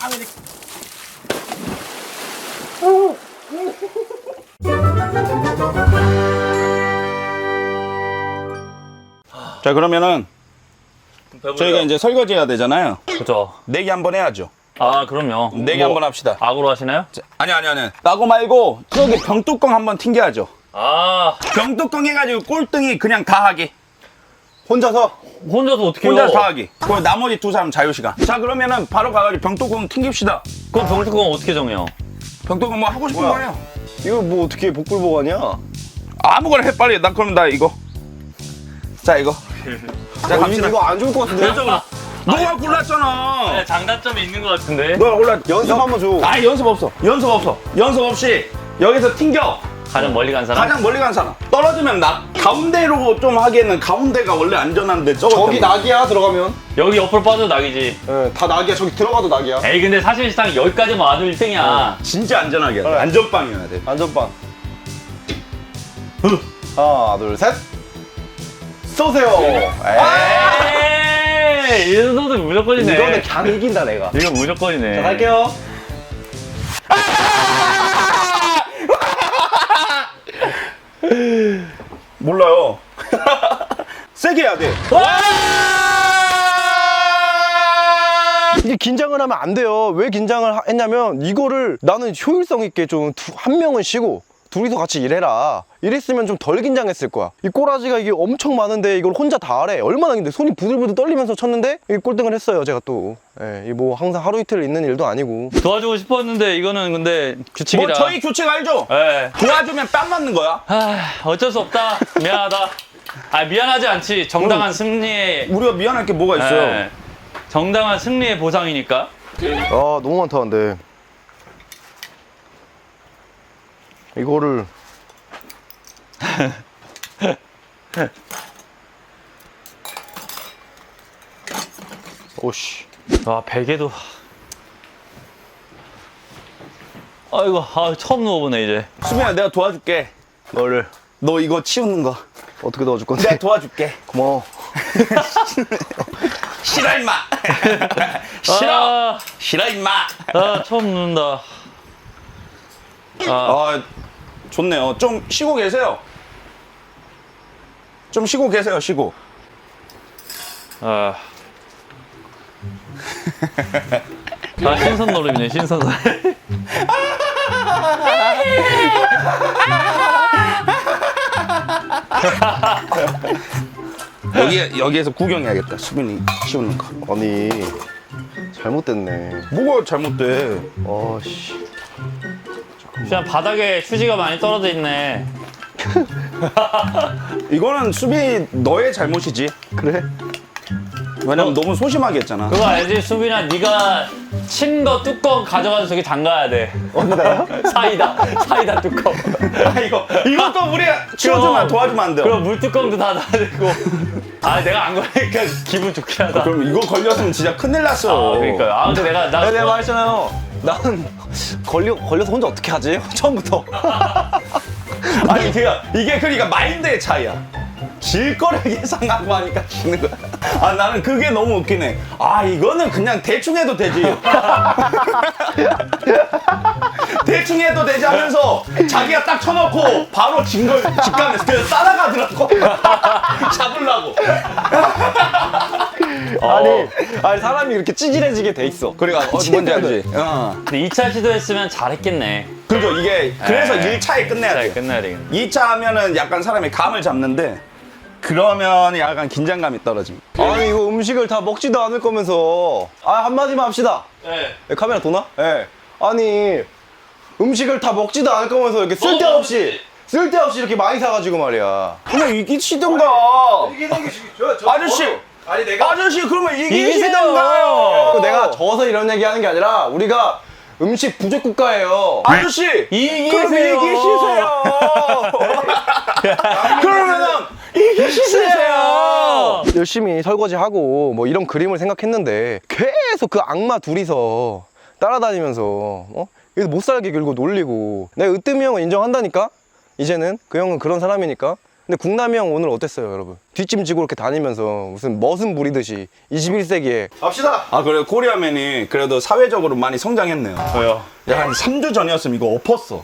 자, 그러면은 저희가 이제 설거지 해야 되잖아요. 그죠. 내기 한번 해야죠. 아, 그럼요. 내기 한번 합시다. 악으로 하시나요? 자, 아니. 나고 말고 저기 병뚜껑 한번 튕겨야죠. 아, 병뚜껑 해가지고 꼴등이 그냥 다 하기. 혼자서? 혼자서 어떻게 해요? 혼자 다 하기. 그럼 나머지 두 사람 자유시간. 자, 그러면은 바로 가가지고 병뚜껑 튕깁시다. 그럼 병뚜껑 어떻게 정해요? 병뚜껑 뭐 하고 싶은 거 해요. 이거 뭐 어떻게 복불복하냐? 아무거나 해, 빨리. 난 그럼 나 이거. 자, 이거. 자, 갑시다. 이거 안 좋을 것 같은데? 너가 골랐잖아. 네, 장단점이 있는 것 같은데. 너가 골랐. 연습 한번 줘. 아니, 연습 없어. 연습 없이 여기서 튕겨. 가장 멀리 간 사람? 가장 멀리 간 사람. 떨어지면 나. 가운데로 좀 하기에는 가운데가 원래 안전한데 저기 낙이야 들어가면. 여기 옆으로 빠져도 낙이지. 예, 다 낙이야. 저기 들어가도 낙이야. 에이, 근데 사실상 여기까지만 와도 1등이야. 진짜 안전하게 해야 돼. 안전빵이어야 돼. 안전빵. 하나, 둘, 셋. 쏘세요. 에이, 이 정도도 무조건이네. 이거는 그냥 이긴다 내가. 이거 무조건이네. 자, 갈게요. 몰라요. 세게 해야 돼. 이게 긴장을 하면 안 돼요. 왜 긴장을 했냐면 이거를 나는 효율성 있게 좀 한 명은 쉬고 둘이서 같이 일해라. 이랬으면 좀 덜 긴장했을 거야. 이 꼬라지가 이게 엄청 많은데 이걸 혼자 다 하래. 얼마나 근데 손이 부들부들 떨리면서 쳤는데 이 꼴등을 했어요 제가 또. 예, 이 뭐 항상 하루 이틀 있는 일도 아니고. 도와주고 싶었는데 이거는 근데 규칙이라. 뭐 저희 규칙 알죠? 예. 도와주면 뺨 맞는 거야. 아, 어쩔 수 없다. 미안하다. 아, 미안하지 않지. 정당한 승리의. 우리가 미안할 게 뭐가 있어요? 예. 정당한 승리의 보상이니까. 아 너무 많다 근데. 이거를 오씨. 와, 베개도. 아이고, 아, 처음 누워보네 이제. 수빈아, 내가 도와줄게. 너를 너 이거 치우는 거. 어떻게 넣어줄 건데? 내가 도와줄게. 고마워. 싫어 임마. 싫어. 아, 싫어 임마. 아, 처음 눕는다. 아, 좋네요. 좀 쉬고 계세요. 좀 쉬고 계세요. 쉬고. 아. 아, 신선 노름이네, 신선 노름. 여기에서 구경해야겠다. 수빈이 치우는 거. 아니 잘못됐네. 뭐가 잘못돼? 아씨. 그냥 바닥에 휴지가 많이 떨어져 있네. 이거는 수빈이 너의 잘못이지. 그래? 왜냐면 너무 소심하게 했잖아. 그거 알지? 수빈아, 네가 친 거 뚜껑 가져가서 저기 담가야 돼. 어디다요? 사이다 뚜껑. 아, 이것도 우리 치워주면 도와주면 안 돼요. 그럼 물 뚜껑도 다 놔야 되고. 아, 내가 안 걸리니까 기분 좋긴 하다. 그럼 이거 걸렸으면 진짜 큰일 났어. 아, 그러니까요. 아, 근데 내가 말했잖아요. 나는 걸려서 혼자 어떻게 하지? 처음부터. 아니 이게 그러니까 마인드의 차이야. 질 거를 예상하고 하니까 지는 거야. 아, 나는 그게 너무 웃기네. 아, 이거는 그냥 대충 해도 되지. 대충 해도 되지 하면서 자기가 딱 쳐놓고 바로 진 걸 직감해서 그래서 따라가더라고. 잡으려고. 아니 사람이 이렇게 찌질해지게 돼 있어. 그러니까 뭔지 알지? 근데 2차 시도했으면 잘했겠네. 그죠. 이게 그래서 1차에 끝내야 잘 돼. 끝나야 되겠네. 2차 하면은 약간 사람이 감을 잡는데 그러면 약간 긴장감이 떨어집니다. 아니 이거 음식을 다 먹지도 않을 거면서 한마디만 합시다. 네. 카메라 도나? 예. 아니 음식을 다 먹지도 않을 거면서 이렇게 쓸데없이 이렇게 많이 사가지고 말이야. 그냥 이기시던가. 아저씨. 아니 내가 아저씨 그러면 이기시던가요. 내가 져서 이런 얘기하는 게 아니라 우리가 음식 부족 국가예요. 아저씨 그럼 이기시세요. 그러면은 이기시세요. 열심히 설거지하고 뭐 이런 그림을 생각했는데 계속 그 악마 둘이서 따라다니면서 여기서 못 살게 굴고 놀리고. 내가 으뜸이 형은 인정한다니까. 이제는 그 형은 그런 사람이니까 근데 국남이 형 오늘 어땠어요, 여러분? 뒷짐지고 이렇게 다니면서 무슨 머슴 부리듯이 21세기에 갑시다. 아 그래 코리아맨이 그래도 사회적으로 많이 성장했네요. 왜요? 야, 한 3주 전이었으면 이거 엎었어.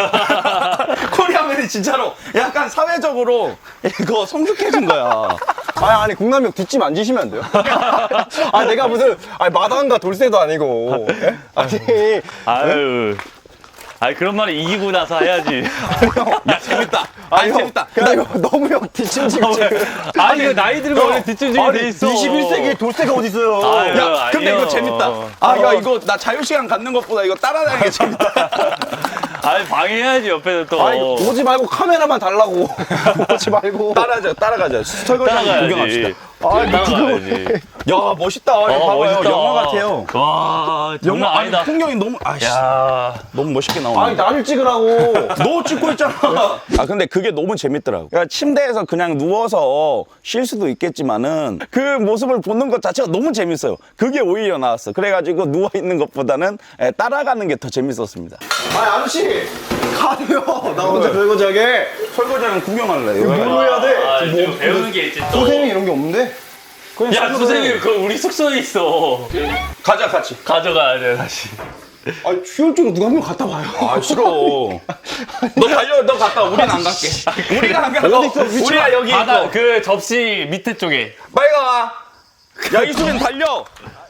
코리아맨이 진짜로 약간 사회적으로 이거 성숙해진 거야. 아니 국남이 형 뒷짐 안 지시면 안 돼요? 아 내가 무슨 마당과 돌쇠도 아니고 예? 아유. 아니 그런 말을 이기고 나서 해야지. 야 재밌다. 아니 형, 재밌다. 야 이거 너무 형 뒷짐 지고 지금 아니 이거 나이 들면 원래 뒷짐지게 돼 있어. 21세기에 돌쇠가 어디 있어요? 아유. 야 근데 아니요. 이거 재밌다. 아 야 이거 나 자유시간 갖는 것보다 이거 따라다니는 게 재밌다. 아니 방해해야지 옆에서 또. 아니 오지 말고 카메라만 달라고. 오지 말고. 따라가자. 설거지 한번 따라가야지. 구경합시다. 따라가야지. 야 멋있다. 이거 봐봐요. 멋있다. 영화 같아요. 와 장난 아니 아니다. 풍경이 너무 아씨 야. 너무 멋있게 나오네. 아니 나를 찍으라고. 너 찍고 있잖아. 아 근데 그게 너무 재밌더라고. 그러니까 침대에서 그냥 누워서 쉴 수도 있겠지만은 그 모습을 보는 것 자체가 너무 재밌어요. 그게 오히려 나왔어. 그래가지고 누워 있는 것보다는 따라가는 게 더 재밌었습니다. 아니 아저씨 가세요. 나 혼자 설거지하게. 설거지는 구경할래. 뭐 해야 돼? 아, 지금 배우는 게 있지 또. 선생님이 이런 게 없는데? 야 선생님 그거 우리 숙소에 있어. 가자 같이. 가져가야 돼 다시. 아니 휴일증 누가 한 명 갖다 봐요. 아 싫어. 너 달려. 너 갔다 와. 우린 안 갈게. 우리가 안 가. 어디 있어? 위치가? 우리가 여기 바다 있고. 그 접시 밑에 쪽에. 빨리 가. 야 이수빈 달려.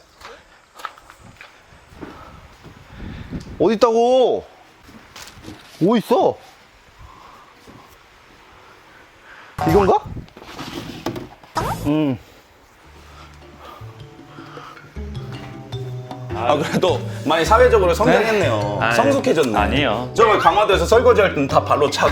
어디 있다고? 뭐 있어? 이건가? 아 그래도 많이 사회적으로 성장했네요. 아이, 성숙해졌네. 아니에요. 저번에 강화도에서 설거지할 때는 다 발로 차고.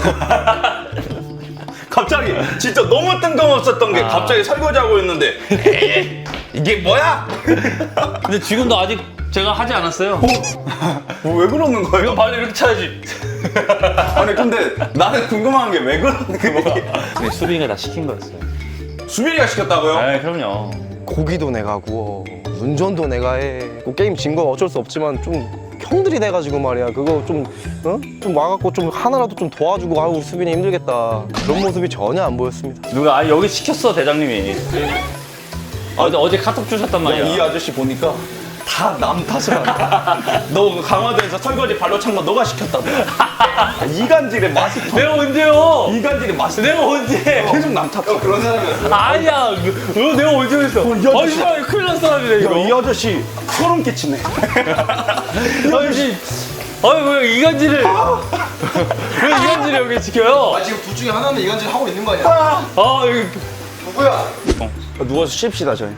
갑자기 진짜 너무 뜬금없었던 게 갑자기 설거지하고 있는데 에이, 이게 뭐야? 근데 지금도 아직 제가 하지 않았어요. 왜 그러는 거예요? 이거 발로 이렇게 차야지. 아니 근데 나는 궁금한 게 왜 그러는 거예요? 근데 수빈이가 다 시킨 거였어요. 수빈이가 시켰다고요? 아 그럼요. 고기도 내가 구워, 운전도 내가 해. 그 게임 진 건 어쩔 수 없지만 좀 형들이 돼가지고 말이야. 그거 좀, 어? 좀 와갖고 좀 하나라도 좀 도와주고 아우 우리 수빈이 힘들겠다. 그런 모습이 전혀 안 보였습니다. 누가 아 여기 시켰어 대장님이. 어제 카톡 주셨단 말이야. 이 아저씨 보니까 다 남 탓을 한다. 너 강화도에서 설거지 발로 찬 거 너가 시켰다고. 이간질의 마스터. 내가 언제요? 이간질의 마스터. 내가 언제? 계속 남 탓해. 그런 사람이었어. 아니야. 너 내가 언제 했어? 이 아저씨. 아니 큰일 난 사람이네 이거. 이 아저씨 소름 끼치네. 아저씨. 아니 왜 이간질을? 왜 이간질을 여기 지켜요? 지금 둘 중에 하나는 이간질 하고 있는 거 아니야? 아 여기 누구야? 누워서 쉽시다 저희.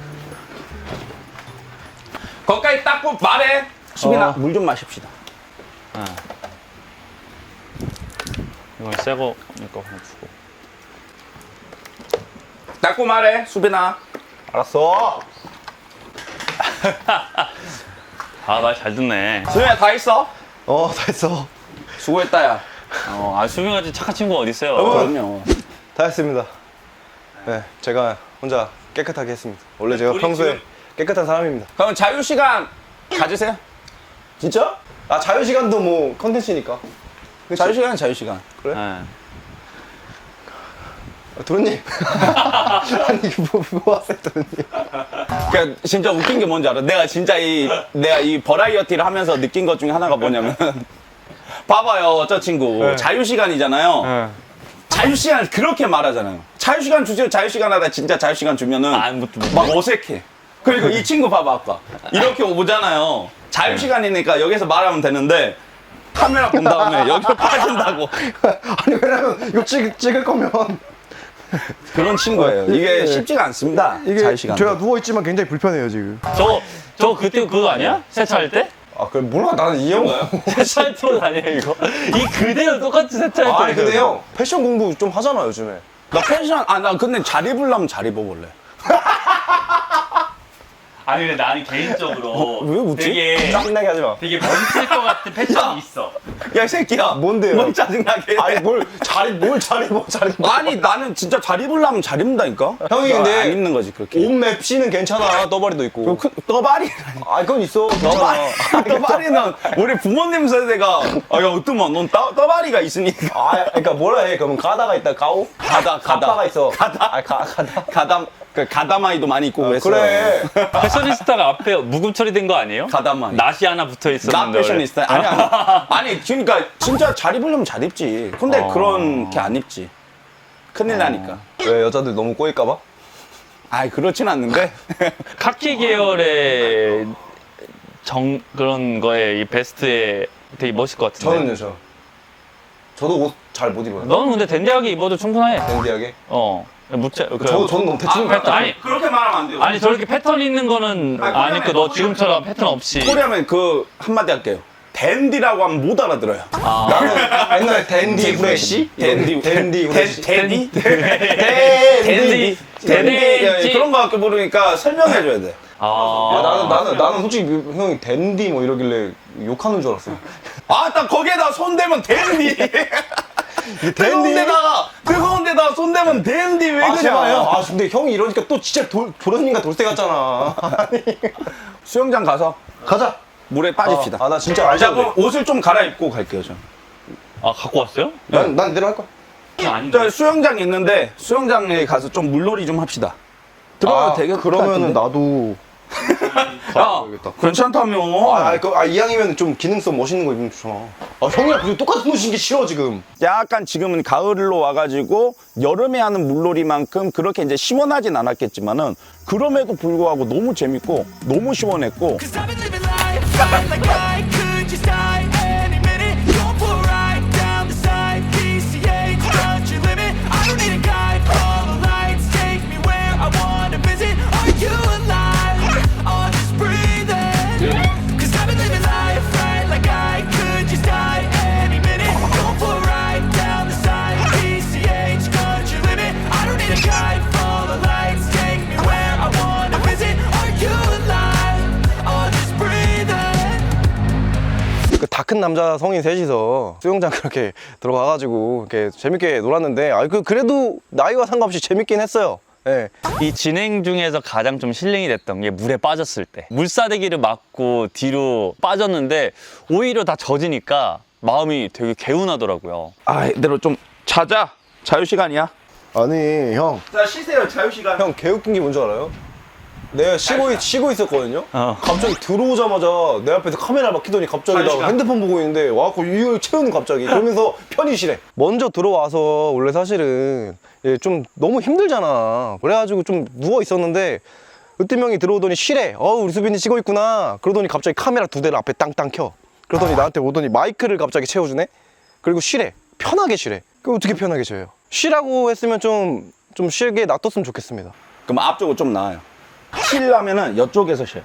거기까지 닦고 말해. 수빈아 물 좀 마십시다. 이건 새 거니까 하나 주고. 닦고 말해 수빈아. 알았어. 아 말 잘 듣네. 수빈아 다 있어? 다 했어. 수고했다 야. 아 수빈같이 착한 친구가 어디 있어요? 그럼요. 다 했습니다. 네, 제가 혼자 깨끗하게 했습니다. 원래 제가 우리 평소에 지금- 깨끗한 사람입니다. 그럼 자유시간 가지세요. 진짜? 아 자유시간도 뭐 컨텐츠니까. 그치? 자유시간은 자유시간. 네. 도련님. 아니 뭐 하세요 도련님. 그러니까 진짜 웃긴 게 뭔지 알아? 내가 이 버라이어티를 하면서 느낀 것 중에 하나가 뭐냐면 봐봐요 저 친구 네. 자유시간이잖아요. 자유시간 그렇게 말하잖아요. 자유시간 주세요. 자유시간 하다 진짜 자유시간 주면은 막 어색해. 그리고 이 친구 봐봐 아까 이렇게 오잖아요. 자유시간이니까 여기서 말하면 되는데 카메라 본 다음에 여기로 빠진다고. 아니 왜냐면 이거 찍을 거면 그런 친구예요. 이게 쉽지가 않습니다. 이게 자유시간. 제가 누워 있지만 굉장히 불편해요 지금. 저 그때 그거 아니야? 세차할 때? 아 그래 몰라 나는 이 형. 세차할 때 아니야 이거? 이 그대로 똑같이 세차할 때. 아니 근데 형 패션 공부 좀 하잖아 요즘에. 나 펜션 나 근데 잘 입으려면 잘 입어볼래. 아니 근데 나는 개인적으로 왜 웃지? 되게 짜증나게 하지 마. 되게 멋있을 것 같은 패션이 있어. 야, 이 새끼야. 뭔데요? 뭘 짜증나게 해. 아니 뭘 자리 아니, 나는 진짜 잘 입으려면 잘 입는다니까? 형이 근데 안 입는 거지, 그렇게. 옷맵 씨는 괜찮아. 떠바리도 있고. 떠바리. 아 그건 있어. 괜찮아. 떠바리는 우리 부모님 세대가, 아, 야, 어떠면 넌 떠바리가 있으니까. 아 그러니까 뭐라 해? 그러면 가다가 있다 가오? 가다. 가다가 있어. 가다. 아 가다. 가다마이도 많이 입고 그랬어요. 그래. 패셔니스타가 앞에 묵음 처리된 거 아니에요? 가다마이. 낫이 하나 붙어 나 있었는데. 패셔니스타. 아니, 그러니까 진짜 잘 입으려면 잘 입지. 근데 그렇게 안 입지. 큰일 나니까. 왜 여자들 너무 꼬일까봐? 아이, 그렇진 않는데. 카키 계열의 그런 거에 이 베스트에 되게 멋있을 것 같은데. 저는요. 저도 옷 잘 못 입어요. 너는 근데 댄디하게 입어도 충분해. 댄디하게. 저는 너무 대충. 아니 그렇게 말하면 안 돼요. 아니 저렇게 패턴 있는 거는 안 입고 너 지금처럼 패턴 없이. 코리아면 그 한마디 할게요. 댄디라고 하면 못 알아들어요. 나는 옛날에 댄디 후레쉬? 댄디 후레쉬. 댄디? 댄디. 댄디. 그런 거 갖고 모르니까 설명해줘야 돼. 나는 솔직히 형이 댄디 뭐 이러길래 욕하는 줄 알았어. 아, 딱 거기에다 손 대면 댄디. 뜨거운 데다가 손 대면 댄디 왜 그냥. 아 근데 형이 이러니까 또 진짜 도련님과 돌쇠 같잖아. 수영장 가서 가자. 물에 빠집시다. 나 진짜 자, 알자. 그럼 옷을 좀 갈아입고 갈게요, 전. 아 갖고 왔어요? 난 이대로 할 거야. 저 수영장 있는데 수영장에 가서 좀 물놀이 좀 합시다. 들어가도 되겠다. 그러면은 나도. 야, 괜찮다며. 이왕이면 좀 기능성 멋있는 거 입으면 좋잖아. 형이랑 그리고 똑같은 옷 신기 싫어 지금. 약간 지금은 가을로 와가지고 여름에 하는 물놀이만큼 그렇게 이제 시원하진 않았겠지만은 그럼에도 불구하고 너무 재밌고 너무 시원했고. Cause I've been living life like I could just die any minute. Going for a ride down the side, PCH, country limit. I don't need a guide, follow lights, take me where I wanna visit. Are you alive? Or just breathing? Cause I've been living life right like I could just die any minute. Going for a ride down the side, PCH, country limit. I don't need a guide, follow lights, take me where I wanna visit. Are you alive? Or just breathing? 다 큰 남자 성인 셋이서 수영장 그렇게 들어가가지고 이렇게 재밌게 놀았는데 그래도 나이와 상관없이 재밌긴 했어요. 예. 이 진행 중에서 가장 좀 힐링이 됐던 게 물에 빠졌을 때 물사대기를 맞고 뒤로 빠졌는데 오히려 다 젖으니까 마음이 되게 개운하더라고요. 아, 이대로 좀 자자. 자유시간이야. 아니 형 자, 쉬세요. 자유시간. 개웃긴 게 뭔지 알아요? 내가 쉬고 있었거든요. 갑자기 들어오자마자 내 앞에서 카메라 막 켜더니 갑자기 나 시간. 핸드폰 보고 있는데 와갖고 이걸 채우는 갑자기 그러면서 편의실에 먼저 들어와서 원래 사실은 좀 너무 힘들잖아. 그래가지고 좀 누워 있었는데 으뜸 형이 들어오더니 쉬래. 우리 수빈이 쉬고 있구나. 그러더니 갑자기 카메라 2대를 앞에 땅땅 켜. 그러더니 나한테 오더니 마이크를 갑자기 채워주네. 그리고 쉬래. 편하게 쉬래. 그 어떻게 편하게 쉬어요? 쉬라고 했으면 좀 쉬게 놔뒀으면 좋겠습니다. 그럼 앞쪽으로 좀 나와요. 쉬려면은 이쪽에서 쉬어요.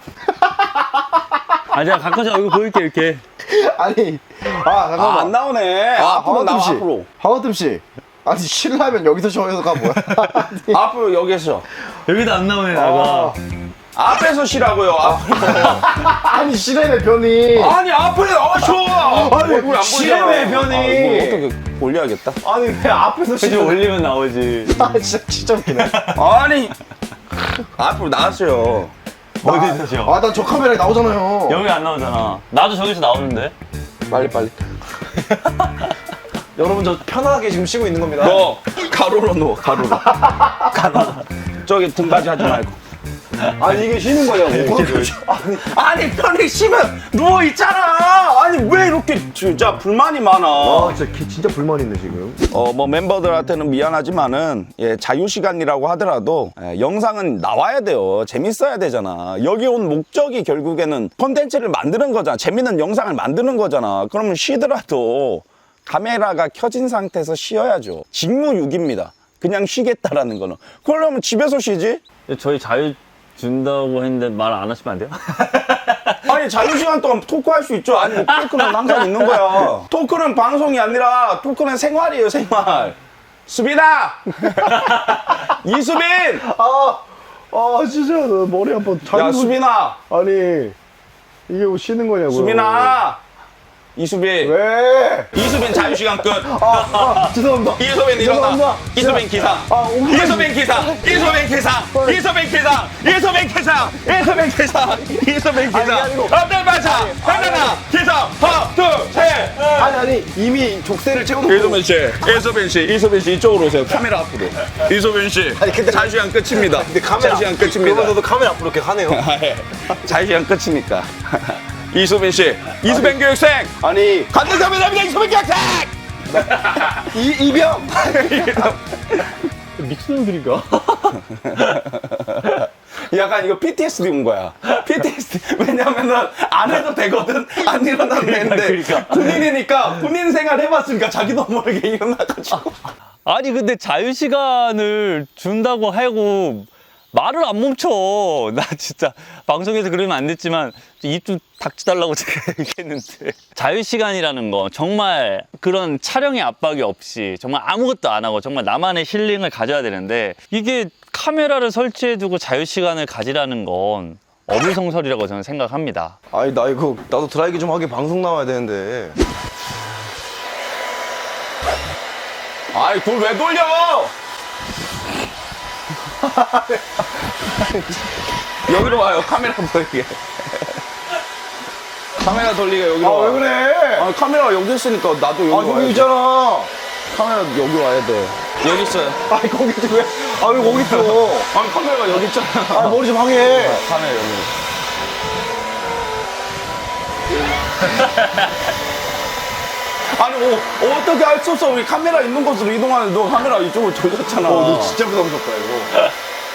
아 제가 가끔씩 얼굴 보일게 이렇게. 아니, 잠깐만. 안 나오네. 앞으로 나와, 앞으로. 하와뜸 씨. 아니, 쉬려면 여기서 쉬어요가 뭐야? 앞으로 여기서. 여기도 안 나오네 나가. 앞에서 쉬라고요. 앞으로. 아니, 쉬래네, 변이. 아니, 앞에 쉬어. 아니, 얼굴 안 쉬래, 보이잖아. 변이. 이거 어떻게 올려야겠다. 아니, 왜 앞에서 그치 쉬래? 올리면 나오지. 진짜 웃기네. 아니, 앞으로 나왔어요. 어디서 쉬어? 난 저 카메라에 나오잖아요. 여기 안 나오잖아. 나도 저기서 나오는데. 빨리. 여러분, 저 편하게 지금 쉬고 있는 겁니다. 너 가로로 누워, 가로로. 저기 등받이 하지 말고. 아니, 이게 쉬는 거냐고. 아니, 편히 쉬면 누워 있잖아. 아니, 왜 이렇게 진짜 불만이 많아. 진짜 불만 있네, 지금. 뭐 멤버들한테는 미안하지만은 자유시간이라고 하더라도 영상은 나와야 돼요. 재밌어야 되잖아. 여기 온 목적이 결국에는 콘텐츠를 만드는 거잖아. 재밌는 영상을 만드는 거잖아. 그러면 쉬더라도 카메라가 켜진 상태에서 쉬어야죠. 직무유기입니다. 그냥 쉬겠다라는 거는. 그러려면 집에서 쉬지? 저희 자유 준다고 했는데 말 안 하시면 안 돼요? 아니, 자유시간 동안 토크할 수 있죠. 아니, 토크는 항상 있는 거야. 토크는 방송이 아니라 토크는 생활이에요, 생활. 수빈아! 이수빈! 진짜 나 머리 한번 야, 수빈아! 아니, 이게 뭐 쉬는 거냐고요. 수빈아! 이수빈. 왜? 이수빈 자유시간 끝. 죄송합니다. 이수빈 일어나. 죄송합니다. 이수빈 기상. 이수빈 기상. 이수빈 기상. 이수빈 기상. 이수빈 기상. 이수빈 기상. 이수빈 기상. 아니고. 앞들 맞아. 하나 기상. 하나 둘 셋. 아니 이미 족쇄를 채워놓고. 이수빈 씨. 이수빈 씨 이쪽으로 오세요. 카메라 앞으로. 이수빈 씨. 아니, 근데- 자유시간 끝입니다. 근데 카메라 자유시간 끝입니다. 그러면서도 카메라 앞으로 이렇게 하네요. 자유시간 끝이니까. 이수빈 씨. 이수빈 교육생. 아니 간대 카메라입니다. 이수빈 교육생. 이병. 미친놈들인가? 약간 이거 PTSD 온 거야. PTSD. 왜냐면은 안 해도 되거든. 안 일어나도 되는데. 군인이니까 군인 생활 해봤으니까 자기도 모르게 일어나가지고. 아니 근데 자유시간을 준다고 하고 말을 안 멈춰. 나 진짜 방송에서 그러면 안 됐지만 입 좀 닥쳐달라고 제가 얘기했는데. 자유시간이라는 거 정말 그런 촬영의 압박이 없이 정말 아무것도 안 하고 정말 나만의 힐링을 가져야 되는데 이게 카메라를 설치해두고 자유시간을 가지라는 건 어불성설이라고 저는 생각합니다. 아니 나 이거 나도 드라이기 좀 하게 방송 나와야 되는데. 아이, 그걸 왜 돌려? 여기로 와요. 카메라 돌리게. 카메라 돌리게 여기로 와. 왜 그래? 아, 카메라 여기 있으니까 나도 여기 와야 여기 돼. 있잖아. 카메라 여기 와야 돼. 여기 있어요. 아니 거기 좀 왜? 왜 거기 있어? 아니, 카메라가 여기 있잖아. 머리 좀 하게. 카메라 여기. 아니, 어떻게 할 수 없어. 우리 카메라 있는 곳으로 이동하는데 너 카메라 이쪽으로 돌렸잖아. 너 진짜 부담스럽다 이거.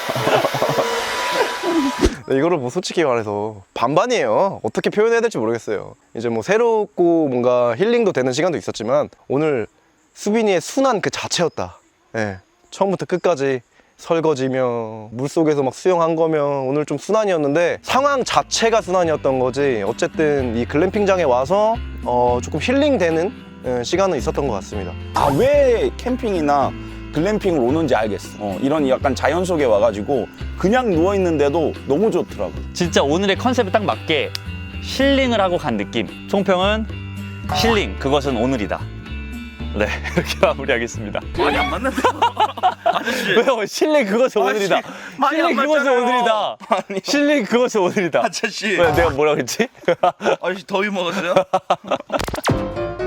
네, 이거를 뭐 솔직히 말해서 반반이에요. 어떻게 표현해야 될지 모르겠어요. 이제 뭐 새롭고 뭔가 힐링도 되는 시간도 있었지만 오늘 수빈이의 순한 그 자체였다. 예, 처음부터 끝까지 설거지며 물속에서 막 수영한 거며 오늘 좀 순환이었는데 상황 자체가 순환이었던 거지. 어쨌든 이 글램핑장에 와서 조금 힐링되는 시간은 있었던 것 같습니다. 아, 왜 캠핑이나 글램핑을 오는지 알겠어. 이런 약간 자연 속에 와가지고 그냥 누워있는데도 너무 좋더라고. 진짜 오늘의 컨셉에 딱 맞게 힐링을 하고 간 느낌. 총평은 힐링, 그것은 오늘이다. 네, 이렇게 마무리하겠습니다. 많이 안 맞는데? 왜요? 힐링, 그것은 오늘이다. 많이 안 힐링, 그것은 맞잖아요. 오늘이다. 아니. 힐링, 그것은 오늘이다. 아저씨. 왜, 내가 뭐라 그랬지? 아저씨 더위 먹었어요?